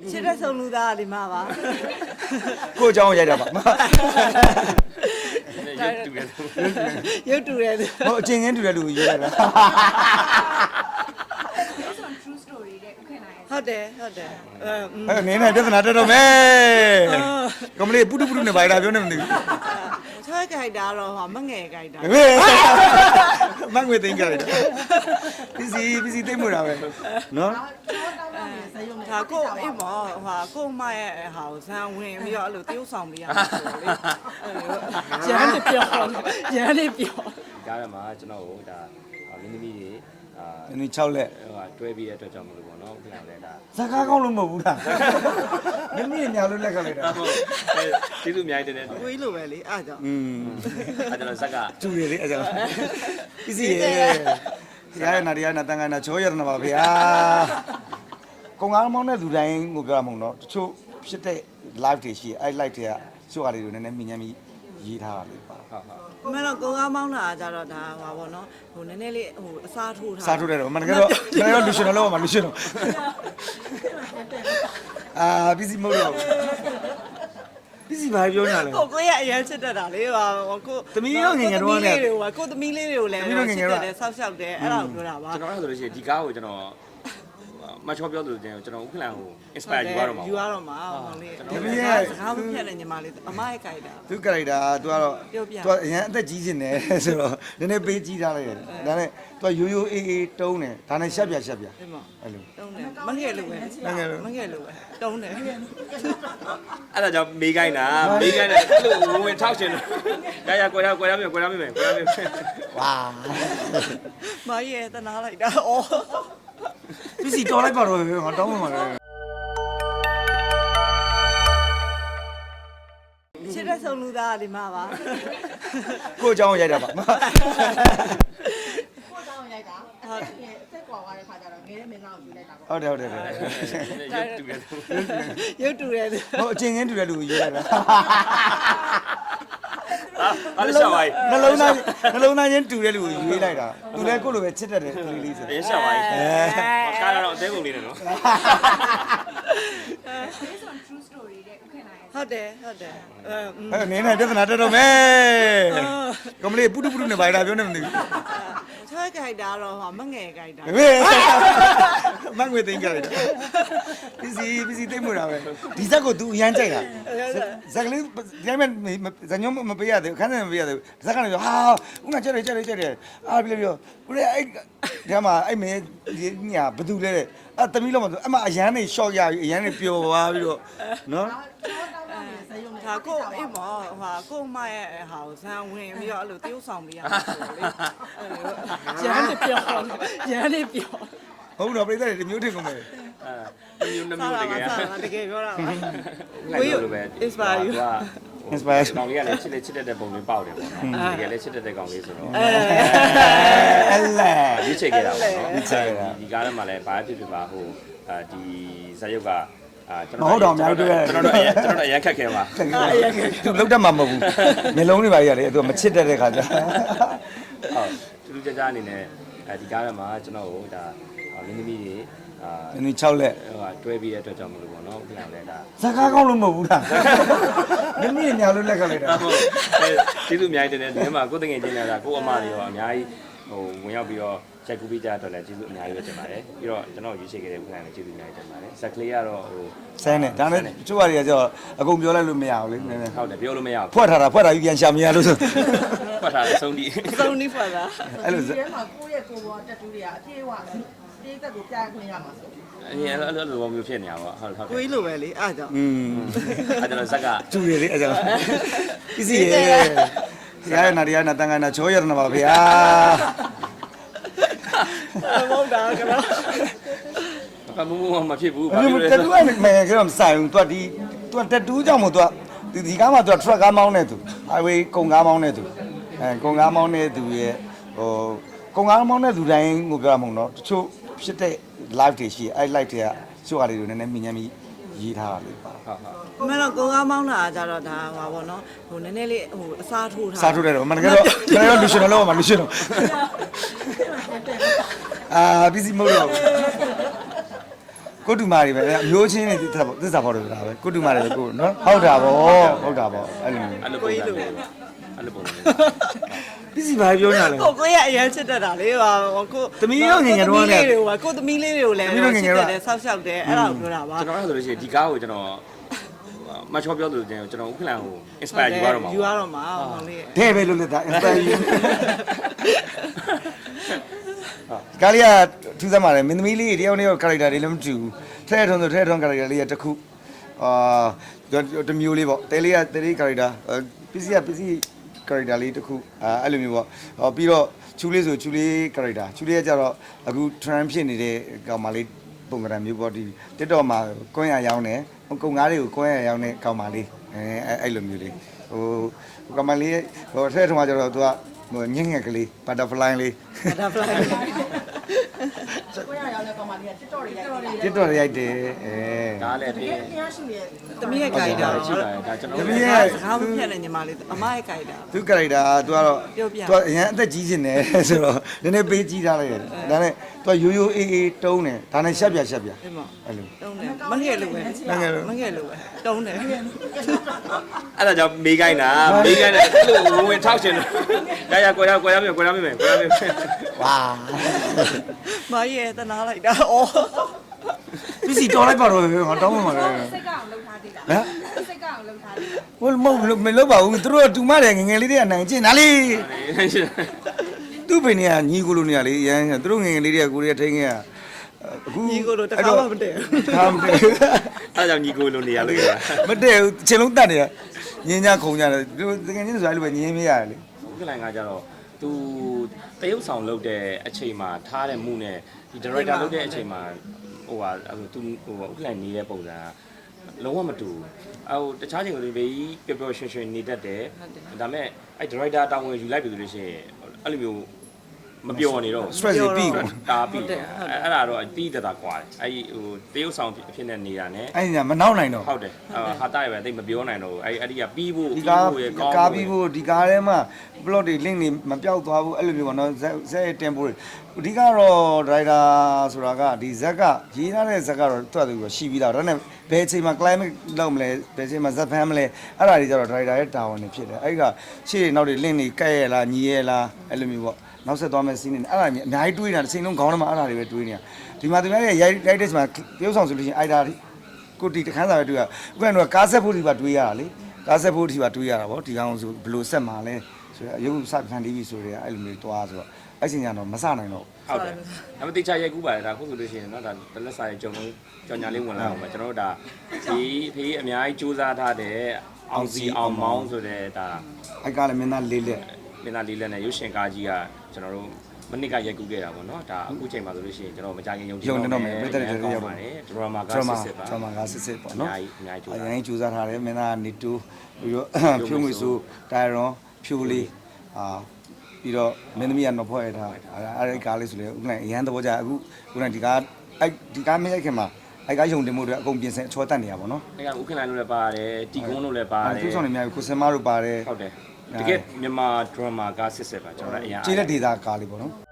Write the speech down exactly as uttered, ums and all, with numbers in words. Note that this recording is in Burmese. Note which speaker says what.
Speaker 1: ချစ်တဲ့ဆုံးလူသားဒီမှာပါ
Speaker 2: ကိုအကြောင်းရိုက်တာပါ
Speaker 1: ရုပ်တူတယ်
Speaker 2: ဟိုအချင်းချင်းတူတဲ့လူရေးလိုက်တာ
Speaker 1: ဟုတ်တယ်ဟုတ်တယ်
Speaker 2: အဲနင်းနဲ့ပြဿနာတက်တော့မယ်ကမလေးပုတုပုတုနဲ့ဘာလာပြောနေမသိဘူး
Speaker 1: ချွဲကြိုက်တာတော့ဟာမငယ်ကြိုက်တာ
Speaker 2: မငွေသိမ်းကြတယ်ပစ္စည်းပစ္စည်းသိမ်းမှုတာပဲနော်
Speaker 1: ဒါကိုအိမ်မောဟာကိုမရဲ့ဟာကိုဇန်ဝင်ပြီးတော့အဲ့လိုတရုပ်ဆောင်ပေးရမှာဆိုလေရန်နေပြောရန်နေပြော
Speaker 3: ကြားရမှာကျွန်တော်တို့ဒါမင်းသမီးတွေအာ
Speaker 2: နင်း၆လက်
Speaker 3: ဟိုတွဲပြီးတဲ့အတွက်ကြောင့်မလို့ပေါ့နော်ခင်ဗျာလည်းဒါ
Speaker 2: ဇကားကောင်းလို့မဟုတ်ဘူးလားနင်းနင်းညာလို့လက်ကလိုက်တာ
Speaker 3: ဟုတ်ကျေးဇူးအများကြီးတင်တယ်
Speaker 1: ကိုကြီးလိုပဲလေအားကြောင့်
Speaker 2: อืม
Speaker 3: အဲ့တော့ဇက်က
Speaker 2: ကျူရလေအဲ့ကြောင့်ပစ္စည်းရဲ့ရရနာရနာတန်ခါနာချောရနာပါဗျာကုံကားမောင်းတဲ့လူတိုင်းကိုပြောရမှာတော့တချို့ဖြစ်တဲ့ live တွေရှိအဲ့ live တွေကစုဟာတွေကိုနည်းနည်းမြင်ညမ်းပြီးရေးထားတာလေပါ
Speaker 3: ဟုတ်ဟုတ်
Speaker 1: မင်းတော့ကိုကားမောင်းတာကြတော့ဒါဟွာပေါ့နော်ဟိုနည်းနည်းလေးဟိုအစားထိုးထား
Speaker 2: စားထိုးတယ်တော့မနက်ကတော့မနက်ကတော့လူရှင်တော့လောက်ပါလူရှင်တော့အာပစ္စည်းမဟုတ်တော့ပစ္စည်းဘာပြောနေတာလဲ
Speaker 1: ကိုကိုရအရင်ချစ်တတ်တာလေဟိုကို
Speaker 2: သမီးရောငငယ်တော့လည်း
Speaker 1: ကိုသမီးလေးတွေကိုလည်းချစ်တတ်တယ်ဆောက်ရှောက်တယ်အဲ့ဒါကိုပြောတာပါ
Speaker 3: ကျွန်တော်ဆိုလို့ရှိရင်ဒီကားကိုကျွန်တော်မချောပြောလို့ကျွန်တော်ဥက္ကလန်ကို inspire ယူရတော့မှာ
Speaker 1: ယူရတော့မှာဟောလေးဒီမရဲ့စကားမဖြတ်တဲ့ညီမလေးအမရဲ့ကြိုက်တာ
Speaker 2: သူကြိုက်တာ तू ကတော့ तू အရင်အသက်ကြီးနေတယ်ဆိုတော့နည်းနည်းပေးကြီးထားလိုက်တယ်ဒါနဲ့ तू ရိုးရိုးအေးအေးတုံးတယ်ဒါနဲ့ရှက်ပြရှက်ပြ
Speaker 1: အဲ့လိုတုံးတယ်မငယ်လို့ပဲမငယ်လို့ပဲတုံးတယ်
Speaker 3: အဲ့ဒါကြောင့်မေးခိုင်းတာမေးခိုင်းတယ်အဲ့လိုဝင်ထောက်ရှင်တယ်ရရကွယ်ရကွယ်ရမယ်ကွယ်ရမယ်ကွယ်ရမယ်
Speaker 2: ဝါ
Speaker 1: မရဲ့တနာလိုက်တာဩ
Speaker 2: ပစ္စည်းတော်လိုက်ပါတော့ငါတောင်းမှမှာလေ
Speaker 1: ချစ်တဲ့ဆုံးလူသားဒီမှာပါ
Speaker 2: ကိုအကြောင်းရိုက်တာပါ
Speaker 4: ကိုအကြောင်းရိုက်တာဟုတ်စိတ်ကွာသွားတဲ့ခါကျတော့ငယ်တဲ့မင်းသားကိုယူလိုက်တာပေါ့
Speaker 2: ဟုတ်တယ်ဟုတ်တယ်
Speaker 3: ရုပ်တူတယ်
Speaker 1: ရုပ်တူတယ်
Speaker 2: ဟိုအချင်းချင်းတူတဲ့လူရေးလိုက်တာ
Speaker 3: အားလည်းရှာပါ යි
Speaker 2: နှလုံးသားနှလုံးသားချင်းတူတဲ့လူကိုရွေးလိုက်တာသူလည်းကိုယ့်လိုပဲချစ်တတ်တယ်ကလေးလေးဆို
Speaker 3: ရရှာပါ යි ကားတော့အသေးကုန်လေးနဲ့နော်
Speaker 1: ဟုတ်တယ်ဟုတ်တယ်
Speaker 2: အဲနင်းနဲ့ပြဿနာတက်တော့မယ်ကမလေးပုတုပုတုနဲ့ဘာလာပြောနေမသိဘူး
Speaker 1: ချွဲကြိုက်တာတော့ဟာမငယ်ကြိုက်တာ
Speaker 2: မငွေသိမ်းကြတယ်ပစ္စည်းပစ္စည်းသိမ်းမှုတာပဲဒီဇက်ကို तू အရန်ကြိုက်တာဇက်ကလေးဒီတိုင်းမဲ့ဇညုံမပေးရသေးဘူးခန်းထဲမပေးရသေးဘူးဇက်ကနေပြောဟာဦးကကြက်တယ်ကြက်တယ်ကြက်တယ်အားပြီးပြောဦးလေးအဲ့ဒီမှာအဲ့မင်းညာဘသူလဲတဲ့အဲ့သမီးလုံးမဆိုအမအရန်နေရှော့ရပြီးအရန်နေပျော်သွားပြီးတော့နော်
Speaker 1: ဒါကိုအိမ်မောဟာကိုမရဲ့ဟာကိုဇန်ဝင်ပြီးတော့အဲ့လိုတရုပ်ဆောင်ပေးရမှာဆိုလေရန်နေပြောရန်နေပြော
Speaker 2: ဟုတ်တော့ပြိဿတွေမျိုးထင်ကုန်မယ်
Speaker 3: အဲမျိုးနှမျိုးတကယ်
Speaker 1: တကယ်ပြောတာပါ
Speaker 3: ကိုယ်လိုပဲ
Speaker 1: inspire you
Speaker 2: inspire
Speaker 3: ကောင်လေးကလည်းချစ်လက်ချစ်တတ်တဲ့ပုံလေးပေါက်တယ်ပေါ့နော်တကယ်လည်းချစ်တတ်တဲ့ကောင်လေးဆိုတော့
Speaker 2: အဲလဲ
Speaker 3: ဒီချိန်ခဲ့တာပေါ့နော်ဒီချိန်ဒီကားထဲမှာလည်းဘာဖြစ်ဖြစ်ပါဟိုဒီဇာတ်ရုပ်ကအာ
Speaker 2: ကျွန်တော်ဟုတ်တော့အများကြီးတွေ့ရတယ်
Speaker 3: ကျွန်တော်တို့ကျွန်တော်တို့အရင်ခက်ခဲပါ
Speaker 2: အရင်ခက်သူလောက်တတ်မှာမဟုတ်ဘူးမျိုးလုံးတွေပါရတယ်သူကမချစ်တတ်တဲ့ခါကျ
Speaker 3: ဟုတ်တူတူကြကြအနေနဲ့အဲဒီကားထဲမှာကျွန်တော်တို့ဒါမင်းသမီးတွေအာ
Speaker 2: နင်း၆လက်
Speaker 3: ဟိုတွဲပြီးတဲ့အတွက်ကြောင့်မလို့ပေါ့နော်ခင်ဗျာလည်းဒါ
Speaker 2: ဇကားကောင်းလို့မဟုတ်ဘူးလားနင်းနင်းညာလို့လက်ကလိုက်တာ
Speaker 3: ဟုတ်ကျေးဇူးအများကြီးတင်တယ်ဒီမှာကိုယ်တငယ်ချင်းတွေကကိုအမတွေရောအများကြီးဟိုဝင်ရောက်ပြီးတော့ချက်ကူပြီးကြတော့လည်းကျေးဇူးအများကြီးပဲတင်ပါတယ်ပြီးတော့ကျွန်တော်ရွေးချယ်ခဲ့တဲ့ခုနကလည်းကျေးဇူးအများကြီးတင်ပါတယ်ဇက်ကလေးကတော့ဟို
Speaker 2: ဆန်းနေဒါနဲ့ကျိုးတွေကကျတော့အကုန်ပြောလိုက်လို့မရဘူးလေနည်းနည်း
Speaker 3: ဟုတ်တယ်ပြောလို့မရဘူး
Speaker 2: ဖွက်ထားတာဖွက်တာယူပြန်ရှာမရလို့ဆို
Speaker 3: ဖွက်ထားတယ်ဆုံးဒီ
Speaker 1: ဆုံးဒီဖွက်တာ
Speaker 2: အဲ့လို
Speaker 4: ဒီထဲမှာကိုယ့်ရဲ့ကိုယ်ပေါ်တက်တူးတွေကအပြည့်အဝတေးသက်ကိုပြရခွင့်ရမှာဆို
Speaker 3: အရင်အဲ့လိုလိုမျိုးဖြစ်နေတာပေါ့ဟုတ်ဟုတ်
Speaker 1: ကိုကြီးလိုပဲလေအားကြောင့်
Speaker 2: อืม
Speaker 3: အဲ့တော့ဇက်က
Speaker 2: ကျူရလေအဲ့ကြောင့်ပစ္စည်းရဲ့ရရနာရနာတန်ခါနာချောရနာပါဗျာ
Speaker 1: မဟုတ်တာကတော့
Speaker 3: ဘာမှမဖြစ်ဘူး
Speaker 2: ဘာလို့လဲတက်တူးကမယ်ကတော့မဆိုင်ဘူး तू ဒီ तू တက်တူးကြောင့်မို့ तू ဒီဒီကားမှာ तू truck ကားမောင်းနေသူ highway ကုန်ကားမောင်းနေသူအဲကုန်ကားမောင်းနေသူရဲ့ဟိုကုန်ကားမောင်းနေသူတိုင်းကိုပြောရမှာတော့တချို့ဖြစ်တဲ့ live တွေရှိအဲ့ live တွေကစုဟာတွေကိုနည်းနည်းမြင်ညမ်းပြီးရေးထားတာလေပါ
Speaker 3: ဟုတ်ဟုတ်
Speaker 1: မင်းတော့ကိုကားမောင်းတာကြတော့ဒါဟွာပေါ့နော်ဟိုနည်းနည်းလေးဟိုအစားထိုးထား
Speaker 2: စားထိုးတယ်တော့မနက်ကတော့မနက်ကတော့လူရှင်တော့လောက်ပါလူရှင်တော့အာပစ္စည်းမဟုတ်တော့ကိုတူမာတွေပဲအမျိုးချင်းတွေသစ္စာသစ္စာဖော်တယ်ဆိုတာပဲကိုတူမာတွေကိုနော်ဟုတ်တာဗောဟုတ်တာဗောအဲ့လို
Speaker 3: အဲ့လိုပုံစံမျိုးအဲ့လိုပုံစံမျိုး
Speaker 2: ပစ္စည်းဘာပြောညာလဲ
Speaker 1: ကိုကိုရအရင်ချစ်တတ်တာလေဟာကိုကိုသမီးလေးတွေကိုကိုသမီးလေးတွေကိုလည်းချစ်တတ်တယ်ဆောက်ရှောက်တယ်အဲ့ဒါကိုပြောတာပါ
Speaker 3: ကျွန်တော်အဲ့ဆိုလို့ရှိရင်ဒီကားကိုကျွန်တော်မချောပြောသလိုကျွန်တော်ဥက္ကလန်ကို inspire ယူရတော့မှာ
Speaker 1: ယူရတော့မှာဟောလေး
Speaker 2: တဲ့ပဲလို့လက်တာ inspire ကာလီယာထူးဆန်းပါတယ်မင်းသမီးလေးတယောက်နဲ့ character တွေလည်းမတူဘူးထဲထုံဆိုထဲထုံ character လေးကတစ်ခုအာတမျိုးလေးပေါ့တဲလေးကတဲလေး character ပစ္စည်းကပစ္စည်း character လေးတစ်ခုအဲအဲ့လိုမျိုးပေါ့ဟောပြီးတော့ချူလေးဆိုချူလေး character ချူလေးကကြတော့အခု trend ဖြစ်နေတဲ့ကောင်မလေးပုံစံမျိုးပေါ့ဒီ TikTok မှာကွင်းရရောင်းတယ်ကုံငါးတွေကိုကွင်းရရောင်းတဲ့ကောင်မလေးအဲအဲ့လိုမျိုးလေးဟိုကောင်မလေးဟိုထဲထုံကကြတော့သူကဟိုညင်ငယ်ကလေး butterfly လေး
Speaker 1: ဒါဖလိုက်
Speaker 4: ကိုရရောက်လဲကောင်မလေးက TikTok တွေရိုက်တယ်
Speaker 2: TikTok ရိုက်တယ်အဲ
Speaker 3: ဒါလည်း
Speaker 4: တ
Speaker 3: တ
Speaker 4: က
Speaker 3: က
Speaker 4: ယ်
Speaker 3: ယ်
Speaker 4: တရားရှိရဲ့
Speaker 1: သမီးရဲ့ character
Speaker 3: ရှိပါတယ်ဒါကျွန်တော်
Speaker 2: သမီး
Speaker 1: စ
Speaker 2: ရဲ့
Speaker 1: ကားမပြတ်နဲ့ညီမလေးအမရဲ့ character
Speaker 2: သူ character သူကတော့
Speaker 1: ပြောပြ
Speaker 2: သူကအရင်အသက်ကြီးနေတယ်ဆိုတော့နည်းနည်းပေးကြီးထားလိုက်ရတယ်ဒါနဲ့သူကရိုးရိုးအေးအေးတုံးတယ်ဒါနဲ့ရှက်ပြရှက်ပြ
Speaker 1: အဲ့မ
Speaker 2: အဲ့လို
Speaker 1: တုံးတယ်မငယ်လို့ပဲမငယ်လို့ပဲတုံးတယ်
Speaker 3: အဲ့ဒါကြောင့်မေးခိုင်းတာမေးခိုင်းတယ်အဲ့လိုဝင်ဝင်ထောက်ရှင်တယ်ရရကိုရကိုရမြေကိုရမြေကိုရမြေ
Speaker 2: ဝါ
Speaker 1: မရဲ့တနာလိုက်တာဩ
Speaker 2: ပစ္စည်းတော်လိုက်ပါတော့ငါတောင်းမှမှာလေ
Speaker 5: စိတ်ကအောင်လှုပ်ထားသေးတာ
Speaker 2: ဟမ်
Speaker 5: စိတ်ကအောင်လှုပ်ထားသေးတာ
Speaker 2: ဟိုမဟုတ်မလုပ်ပါဘူးသူတို့ကတူမတယ်ငငယ်လေးတွေကနိုင်ကျင်ဒါလေးသူ့ပင်တွေကညီကိုလိုနေရလေရမ်းသူတို့ငငယ်လေးတွေကကိုရီးယားထိန်းခဲ့ရအခု
Speaker 1: ညီကိုလိုတခါမှမတည့်ဘူး
Speaker 2: ဒါမတည့်
Speaker 3: အဲ့ဒါကြောင့်ညီကိုလိုနေရလို့ရ
Speaker 2: မတည့်ဘူးခြေလုံးတတ်နေရညင်းကြခုံကြတယ်သူတကယ်ချင်းဆိုအဲ့လိုပဲညင်းမရတယ်လေ
Speaker 3: ဥက္ကလန်ကကြတော့သူတရုပ်ဆောင်လုပ်တဲ့အချိန်မှာထားတဲ့မှုနဲ့ဒီ director လုပ်တဲ့အချိန်မှာဟိုဟာသူဟိုဥက္ကလန်နေတဲ့ပုံစံကလုံးဝမတူဘူးအဲဟိုတခြားချိန်ကလေးပဲပျော်ပျော်ရွှင်ရွှင်နေတတ်တယ်ဒါပေမဲ့အဲ director တောင်းဝင်ယူလိုက်ပြီဆိုလို့ရှိရင်အဲ့လိုမျိုးမပျော်နေတော့
Speaker 2: stress တွေပြီးကုန်
Speaker 3: တာပြီးအဲ့ဒါတော့တီးတတာကွာတယ်အဲ့ဟိုတရုပ်ဆောင်ဖြစ်နေနေတာ ਨੇ
Speaker 2: အဲ့ညာမနောက်နိုင်တော့
Speaker 3: ဟုတ်တယ်ဟာတာရပဲတိတ်မပြောနိုင်တော့ဘူးအဲ့အဲ့ဒီကပြီးဖို့
Speaker 2: ဒီ
Speaker 3: ပြီး
Speaker 2: ကား
Speaker 3: ဖို့ရကောင်း
Speaker 2: ကားပြီးဖို့ဒီကားထဲမှာ plot တွေ link တွေမပြောက်သွားဘူးအဲ့လိုမျိုးပေါ့နော်ဇက်ဇက်ရဲ့ tempo တွေအဓိကတော့ driver ဆိုတာကဒီဇက်ကရေးထားတဲ့ဇက်ကတော့တွတ်သူရှိပြီးသားဒါနဲ့ဘယ်အချိန်မှာ climate လောက်မလဲဘယ်အချိန်မှာဇက်ဖမ်းမလဲအဲ့ဒါတွေကျတော့ driver ရဲ့တာဝန်တွေဖြစ်တယ်အဲ့ဒီကရှေ့နောက်တွေ link တွေကဲ့ရလားညီရလားအဲ့လိုမျိုးပေါ့နောက်ဆက်သွားမယ့် scene တွေအဲ့ဒါအများကြီးတွေးနေတာတစ်ချိန်လုံးခေါင်းထဲမှာအဲ့ဒါတွေပဲတွေးနေတာဒီမှာသူများရဲ့ ရိုက်ရိုက်တဲ့ချိန်မှာပြုံးဆောင်ဆိုလို့ရှိရင်အဲ့ဒါကိုတီတခန်းစာပဲတွေးရဥပမာတော့ကားဆက်ဖို့ဒီပါတွေးရတာလေကားဆက်ဖို့ဒီပါတွေးရတာဗောဒီကောင်ဆိုဘယ်လိုဆက်မှာလဲဆိုတော့ရုပ်စဖန်တီးပြီဆိုတော့အဲ့လိုမျိုးတွားဆိုတော့အဲ့ချိန်ကျတော့မစနိုင်တော့
Speaker 3: ဟုတ်တယ်ဒါပေမဲ့တိကျရိုက်ကူးပါတယ်ဒါခုဆိုလို့ရှိရင်เนาะဒါတလက်စာရဲ့ကြုံလုံးကြောင်ညာလေးဝင်လာအောင်ပဲကျွန်တော်တို့ဒါဒီဖေးအများကြီးစူးစမ်းထားတဲ့အောင်စီအောင်မောင်းဆိုတဲ့ဒါ
Speaker 2: အဲ့ကလည်းမင်းသားလေးလက်
Speaker 3: မင်းသားလေးလက်နဲ့ရုပ်ရှင်ကားကြီးကကျွန်တော်တို့မနစ်ကရိုက်ကူးခဲ့တာပေါ့เนาะဒါအခုချိန်မှာဆိုလို့ရှိရင်ကျွန်တော်မကြခင်ယုံကြည်တော့မယ်ပြည်သက်တွေရောက်ပါတယ်ဒရမာက
Speaker 2: drama
Speaker 3: စစ်စစ်ပါ
Speaker 2: drama ကစစ်စစ်ပေါ့
Speaker 3: အ
Speaker 2: နော်
Speaker 3: များကြီးအများကြီး
Speaker 2: အ
Speaker 3: ကြိုးစား
Speaker 2: ရင်ကြိုးစားထားတယ်မင်းသားနေတူပြီးတော့ဖြိုးငွေဆိုတိုင်ရွန်ဖြိုးလေးအာပြီးတော့မင်းသမီးကနော်ဖွဲ့ရထားအဲ့ဒီကားလေးဆိုလေဥက္ကဋ္ဌအရန်သဘောကျအခုဥက္ကဋ္ဌဒီကားအဲ့ဒီကားမရိုက်ခင်မှာအဲ့ကားယုံတင်မှုတွေအကုန်ပြင်ဆင်အချောတက်နေရပါတော့
Speaker 3: အဲ့ကဥက္ကလန်လို့လည်းပါတယ်တီကုန်းလို့လည်းပါတယ်
Speaker 2: သူဆောင်နေများကိုစင်မတို့ပါတယ်
Speaker 3: ဟုတ်တယ်တကယ်မြန်မာဒရမာကစစ်စစ်ပါကျွန်တော်လည်းအရင်
Speaker 2: ကျေးလက်ဒေတာကားလေးပေါ့နော်